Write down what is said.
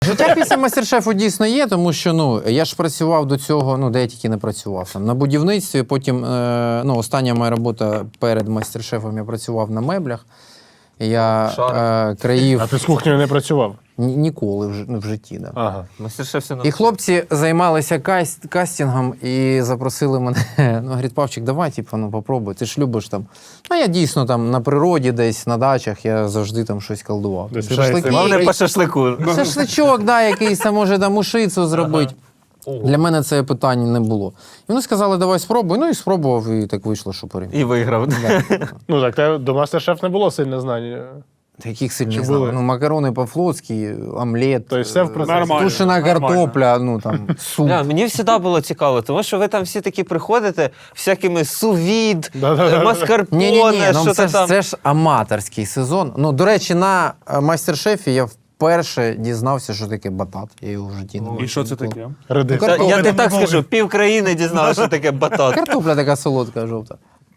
Життя після мастер-шефу дійсно є, тому що я ж працював до цього, де я тільки не працював. Там, на будівництві, потім остання моя робота перед мастер-шефом, я працював на меблях. Я країв... А ти з кухнею не працював? Ніколи в житті, да. Ага. Мастер-шеф все І хлопці займалися кастингом і запросили мене. Говорить, Павчик, давай, попробуй, ти ж любиш там. Я дійсно там на природі десь, на дачах, я завжди там щось колдував. Головне по шашлику. Шашличок, якийсь, може там ушицю зробити. Для мене це питання не було. І вони сказали, давай спробуй. І спробував, і так вийшло, що переміг. І виграв. Так до мастер-шеф не було сильних знань. Яких сильних знань? Макарони по-флотськи, омлет, Тобто все в процесі. тушена картопля, суп. Мені завжди було цікаво, тому що ви там всі такі приходите всякими сувід, маскарпоне, що це там. Це ж аматорський сезон. До речі, на мастер-шефі я вперше дізнався, що таке батат. Я його в житті не бачив. І що це таке? Я тобі так скажу, пів країни дізналося, що таке батат. Картопля така солодка, жовта.